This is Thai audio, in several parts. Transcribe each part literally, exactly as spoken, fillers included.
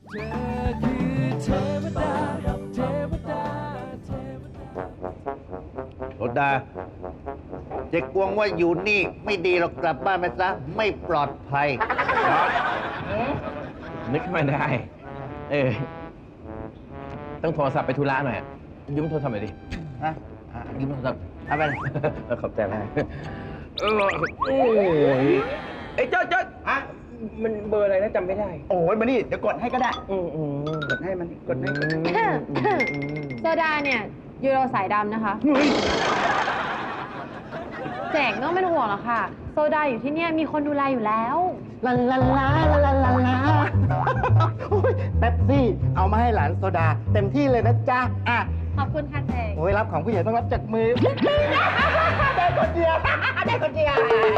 เธอคือเทวดาเทวดาเทวดาโรดาเจ๊กวงว่าอยู่นี่ไม่ดีหรอกกลับบ้านไปซะไม่ปลอดภัยนึกไม่ได้ เออ ต้องโทรศัพท์ไปธุระหน่อยอะยืมโทรศัพท์หน่อยดิฮะอ่ะยืมโทรศัพท์เอาไปเออขอบใจมากเออโอ้ยไอ้ยเจ้าเจ้าอะมันเบอร์อะไรนะจำไม่ได้โอ้ยมานี่เดี๋ยวกดให้ก็ได้อืมอืมกดให้มันกดให้กดอืมให้อืมอืมโซดาเนี่ยยูโรสายดำนะคะแจกไม่ต้องเป็นห่วงหรอกค่ะ โซดาอยู่ที่เนี่ยมีคนดูแลอยู่แล้วลาลาลาลาลาลาลาโอ้ยเป๊ปซี่เอามาให้หลานโซดา เต็มที่เลยนะจ๊ะอ่ะขอบคุณค่ะแจกโอ้ยรับของผู้ใหญ่ต้องรับจากมือได้คนเดียวได้คนเดียว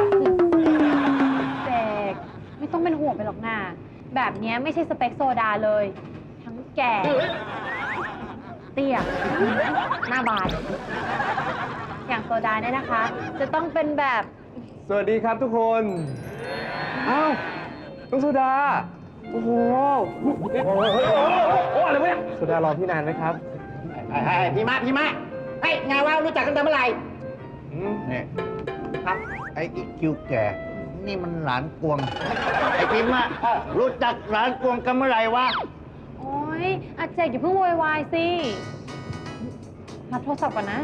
แจกไม่ต้องเป็นห่วงไปหรอกนาแบบเนี้ยไม่ใช่สเปคโซดาเลย ทั้งแก่ เตี้ย หน้าบาน อย่างโซดาเนี่ยนะคะ จะต้องเป็นแบบสวัสดีครับทุกคน อ้าวน้องโซดา โอ้โห โอ้โหโอ้อะไรวะเนี่ยโซดารอพี่นานไหมครับไอ้พี่มาพี่มาเฮ้ยไงว่ารู้จักกันแต่เมื่อไหร่เนี่ยครับไอ้อีคิวแก่ นี่มันหลานกวง ไอ้พิมพ์อะรู้จักหลานกวงกันเมื่อไหร่วะโอ๊ยอาแจกอย่าเพิ่งโวยวายสิ รับโทรศัพท์ก่อนนะ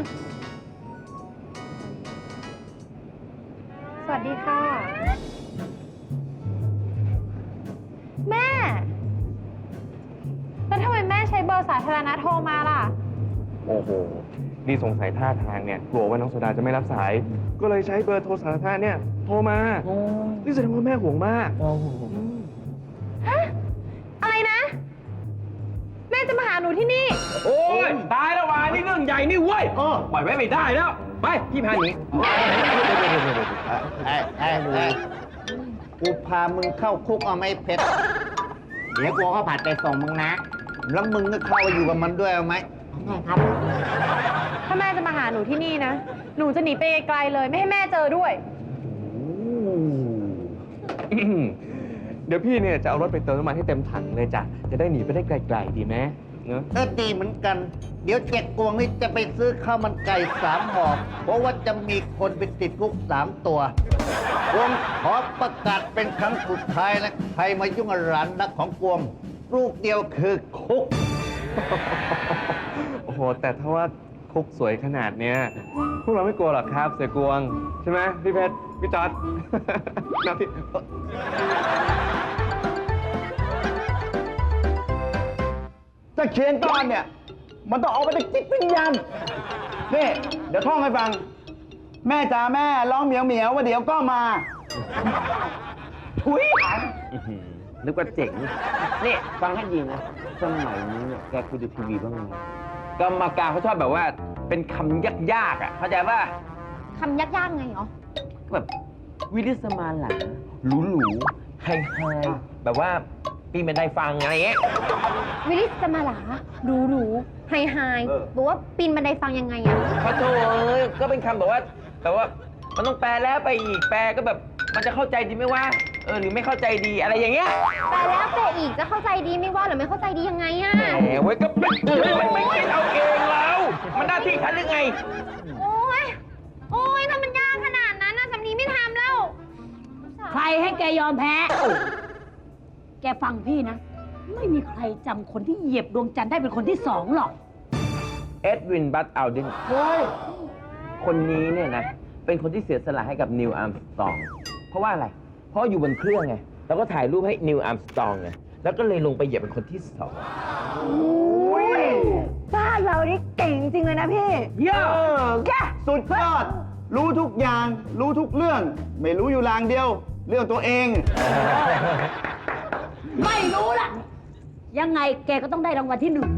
สวัสดีค่ะ แม่ แล้วทำไมแม่ใช้เบอร์สาธารณะโทรมาล่ะโอ้โห นี่สงสัยท่าทางเนี่ย กลัวว่าน้องโซดาจะไม่รับสาย ก็เลยใช้เบอร์โทรสาธารณะเนี่ย โทรมา นี่แสดงว่าแม่ห่วงมากฮะ อะไรนะ แม่จะมาหาหนูที่นี่โอ้ย ตายแล้ววานี่เรื่องใหญ่นี่เว้ยปล่อยไว้ไม่ได้แล้ว ไป พี่พาหนีไอ้ไอ้ไอ้กูพามึงเข้าคุกเอาไหม่เพชรเดี๋ยวกลัวเขาผัดไปส่งมึงนะแล้วมึงก็เข้าไปอยู่กับมันด้วยเอาไหมครับถ้าแม่จะมาหาหนูที่นี่นะ หนูจะหนีไปไกลๆเลย ไม่ให้แม่เจอด้วยเดี๋ยวพี่เนี่ยจะเอารถไปเติมน้ำมันให้เต็มถังเลยจ้ะ จะได้หนีไปได้ไกลๆดีไหมเนอะเออดีเหมือนกัน เดี๋ยวเจ็กกวงนี่จะไปซื้อข้าวมันไก่สามห่อเพราะว่าจะมีคนไปติดคุกสามตัวกวงขอประกาศเป็นครั้งสุดท้ายนะใครมายุ่งกับหลานรักของกวงลูกเดียวคือคุกโอ้โห แต่ถ้าว่าคุกสวยขนาดเนี้ย พวกเราไม่กลัวหรอกครับ เสือกวง ใช่ไหมพี่เพชร พี่จอร์ด นะพี่จะเขียนก้อนเนี่ย มันต้องออกมาจากจิตวิญญาณนี่ เดี๋ยวท่องให้ฟัง แม่จ๋าแม่ร้องเหมียวเหมียวว่าเดี๋ยวก็มาทุยนึกว่าเจ๋ง นี่ ฟังให้ดีนะ สมัยนี้เนี่ยแกคุยดูทีวีบ้างไหมกรรมการเขาชอบแบบว่า เป็นคำยากๆอ่ะ เข้าใจป่ะคำยากๆไงเหรอแบบวิลิสมาหลาหรูหรูไฮไฮแบบว่าปีนบันไดฟังอะไรเงี้ยวิลิสจะมาหลาดูหรูไฮไฮเออบอกว่าปีนบันไดฟังยังไงอะขอโทษเอ้ยก็เป็นคำแบบว่าแบบว่ามันต้องแปลแล้วไปอีกแปลก็แบบมันจะเข้าใจดีไหมว่าเออหรือไม่เข้าใจดีอะไรอย่างเงี้ยแต่แล้วแต่อีกจะเข้าใจดีไม่ว่าหรือไม่เข้าใจดียังไงอะแหมเว้ยก็ไม่ไม่ไม่คิดเอาเองแล้วมันหน้าที่ฉันหรือไงโอ้ยโอ้ยถ้ามันยากขนาดนั้นนะสำนีไม่ทำแล้วใครให้แกยอมแพ้ แกฟังพี่นะ ไม่มีใครจำคนที่เหยียบดวงจันทร์ได้เป็นคนที่สองหรอกเอ็ดวิน บัตอัลดินเฮ้ยคนนี้เนี่ยนะ เป็นคนที่เสียสละให้กับนิวอาร์มสตรอง เพราะว่าอะไร เพราะอยู่บนเครื่องไง แล้วก็ถ่ายรูปให้นิวอาร์มสตรองไง แล้วก็เลยลงไปเหยียบเป็นคนที่สองบ้านเรานี่เก่งจริงเลยนะพี่เยอะแกสุดยอด รู้ทุกอย่าง รู้ทุกเรื่อง ไม่รู้อยู่ลางเดียว เรื่องตัวเองไม่รู้ล่ะ ยังไงแกก็ต้องได้รางวัลที่หนึ่ง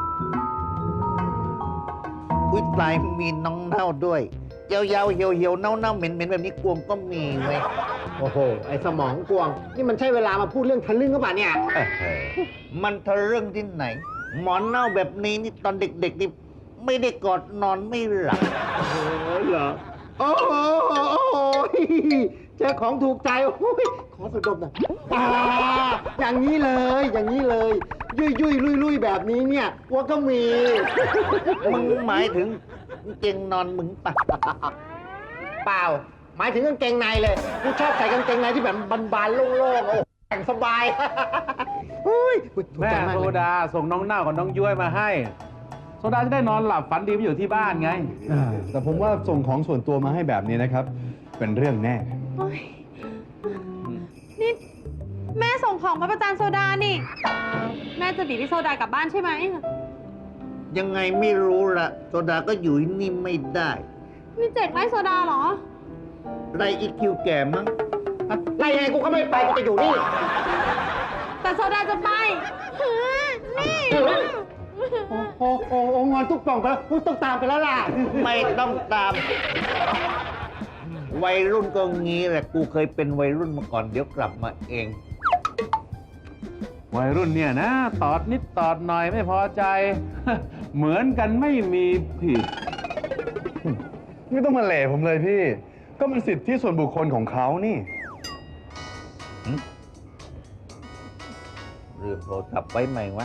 อุ้ยตายมีน้องเน่าด้วยยาวๆเหี่ยวๆเน่าๆเหม็นๆแบบนี้กวงก็มีเว้ยโอ้โห ไอ้สมองกวง นี่มันใช่เวลามาพูดเรื่องทะลึ่งก็ป่ะเนี่ยเอ้อมันทะเรื่องที่ไหน หมอนเน่าแบบนี้นี่ตอนเด็กๆนี่ไม่ได้กอดนอนไม่หลับโอ้ยเหรอ โอ้โหโอ้โหเจอของถูกใจโอ้ยขอสุดดมหน่อยอ่าอย่างนี้เลย อย่างนี้เลย ยุยยุยลุยลุยแบบนี้เนี่ยวัวก็มีมึงหมายถึงกางเกงนอนมึงปะเปล่า หมายถึงกางเกงในเลย กูชอบใส่กางเกงในที่แบบบานๆโล่งๆ โอ้แต่งสบายอุ้ยถูกแม่ใจากโซเลยดาส่งน้องเน่ากับน้องย้วยมาให้ โซดาจะได้นอนหลับฝันดีไปอยู่ที่บ้านไงอ่าแต่ผมว่าส่งของส่วนตัวมาให้แบบนี้นะครับ เป็นเรื่องแน่นี่แม่ส่งของมาประจานโซดานี่ แม่จะบีบพี่โซดากลับบ้านใช่ไหมยังไงไม่รู้ละโซดาก็อยู่ที่นี่ไม่ได้นี่เจ็ดไล่โซดาเหรอไรอีคิวแก่มั้งไล่ยังไงกูก็ไม่ไป กูจะอยู่นี่แต่โซดาจะไปหือนี่โอ้โหโอ้โหงอนทุกกล่องไปแล้วกูต้องตามไปแล้วล่ะไม่ต้องตาม วัยรุ่นก็งี้แหละ กูเคยเป็นวัยรุ่นมาก่อน เดี๋ยวกลับมาเองวัยรุ่นเนี่ยนะ ตอดนิดตอดหน่อยไม่พอใจ เหมือนกันไม่มีผิดไม่ต้องมาเหล่ผมเลยพี่ ก็มันสิทธิส่วนบุคคลของเขานี่เรื่องโทรศัพท์ไว้ใหม่วะ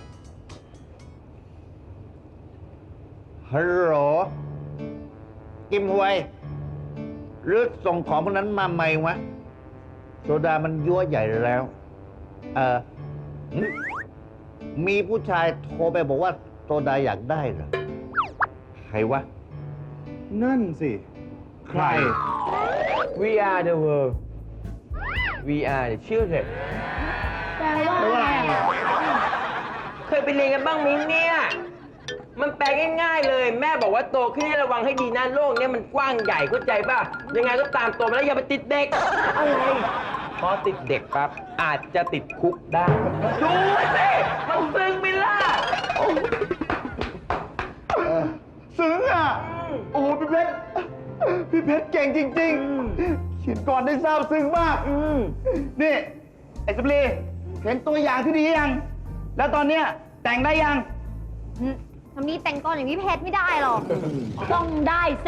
ฮัลโหล กิมหวย หรือส่งของพวกนั้นมาใหม่วะ โซดามันยั่วใหญ่แล้ว เออหึมีผู้ชายโทรไปบอกว่าโซดาอยากได้เหรอ ใครวะนั่นสิใคร We are the world We are the children แปลว่าอะไรอ่ะเคยไปเรียนกันบ้างไหมเนี่ย มันแปลง่ายๆเลย แม่บอกว่าโตขึ้นให้ระวังให้ดีนะโลกเนี้ยมันกว้างใหญ่เข้าใจป่ะ ยังไงก็ตามโตมาแล้วอย่าไปติดเด็ก อะไร พอติดเด็กปั๊บอาจจะติดคุกได้ ดูสิมันซึ้งไหมล่ะซึ้งอ่ะ โอ้โหพี่เพชร พี่เพชรเก่งจริงๆ เขียนก่อนได้ซาบซึ้งมาก นี่ ไอ้สปรีเห็นตัวอย่างที่ดียัง แล้วตอนเนี้ยแต่งได้ยังทำนี้แต่งกรอย่างพี่เพชรไม่ได้หรอกต้องได้สิ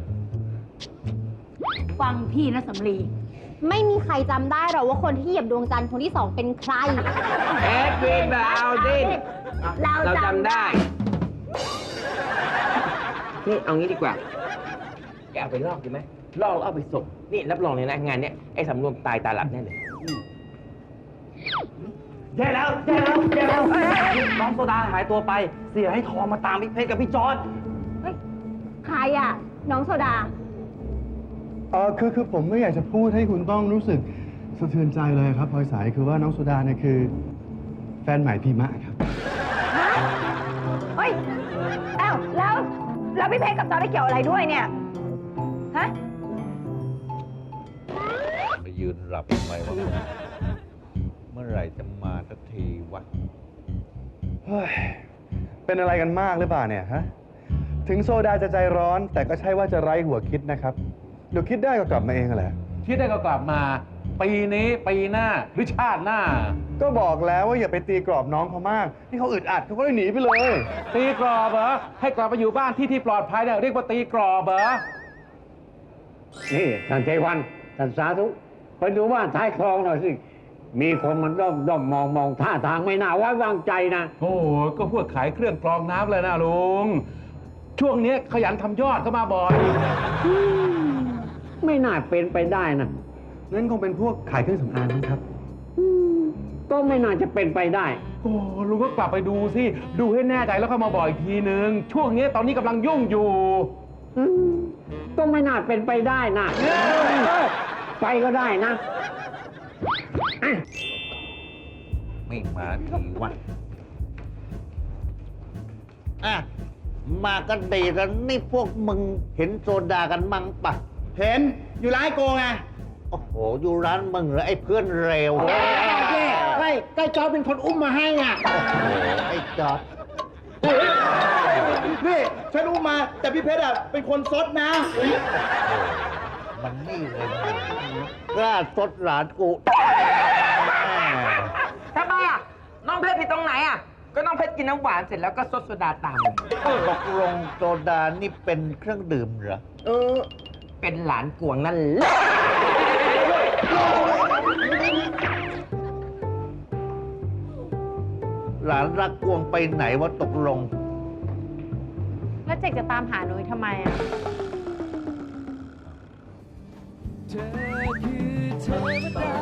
ฟังพี่นะสำลีไม่มีใครจำได้หรอกว่าคนที่เหยียบดวงจันทร์คนที่สองเป็นใครแอดวินบาวดินเราเราจำจำได้ได้ นี่เอางี้ดีกว่า แกเอาไปลอกดีไหมลอกแล้วเอาไปส่ง นี่รับรองเลยนะงานเนี้ยไอ้สำรวมตายตาหลับแน่เลยแย่แล้วแย่แล้วแย่แล้วน้องโซดาหายตัวไป เสียให้ทองมาตามพี่เพชรกับพี่จอร์ดใครอ่ะ น้องโซดาเออคือคือผมไม่อยากจะพูดให้คุณต้องรู้สึกสะเทือนใจเลยครับพลอยสายคือว่าน้องโซดาเนี่ยคือ แฟนใหม่พีมะครับเฮ้ยอ้าวแล้ว แล้วพี่เพชรกับจอได้เกี่ยวอะไรด้วยเนี่ย ฮะมายืนหลับทำไมวะ เมื่อไหร่จะมาสักทีวะเฮ้ย เป็นอะไรกันมากหรือเปล่าเนี่ยฮะ ถึงโซดาจะใจร้อน แต่ก็ใช่ว่าจะไร้หัวคิดนะครับ เดี๋ยวคิดได้ก็กลับมาเองแหละคิดได้ก็กลับมา ปีนี้ปีหน้าหรือชาติหน้าก็บอกแล้วว่าอย่าไปตีกรอบน้องเขามากที่เขาอึดอัดเขาก็เลยหนีไปเลยตีกรอบเหรอ ให้กลับไปอยู่บ้านที่ที่ปลอดภัยเนี่ยเรียกว่าตีกรอบเหรอนี่ท่านเทวันท่านสาธุไปดูบ้านท้ายคลองหน่อยสิ มีคนมันด้อมด้อมมองมองท่าทางไม่น่าไว้วางใจนะโอ้โหก็พวกขายเครื่องกรองน้ำเลยนะลุง ช่วงนี้ขยันทำยอดเข้ามาบ่อยไม่น่าเป็นไปได้นะนั่นคงเป็นพวกขายเครื่องสำอางมั้งครับก็ไม่น่าจะเป็นไปได้โอ้ลุงก็กลับไปดูสิ ดูให้แน่ใจแล้วเข้ามาบอกอีกทีนึง ช่วงนี้ตอนนี้กำลังยุ่งอยู่อืมก็ไม่น่าเป็นไปได้นะไปก็ได้นะอ่ะไม่มาทีวะ อ่ะ มากันดีแล้วนี่พวกมึงเห็นโซดากันมั่งปะเห็น อยู่ร้านโกไงโอ้โห อยู่ร้านมึงเหรอไอ้เพื่อนเร็วใช่ใกล้จอร์ดเป็นคนอุ้มมาให้อ่ะโอ้โห ไอ้จอดนี่ฉันอุ้มมา แต่พี่เพชรอ่ะเป็นคนซดนะมันนี่เลยกล้าซดหลานกูทำไมอ่ะ น้องเพชรผิดตรงไหนอ่ะ ก็น้องเพชรกินน้ำหวานเสร็จแล้วก็ซดโซดาตามเลยตกลงโซดานี่เป็นเครื่องดื่มเหรอเออ เป็นหลานกวงนั่นแหละหลานรักกวงไปไหนว่าตกลงแล้วเจกจะตามหาหนุยทำไมอ่ะเธอคือเทวดา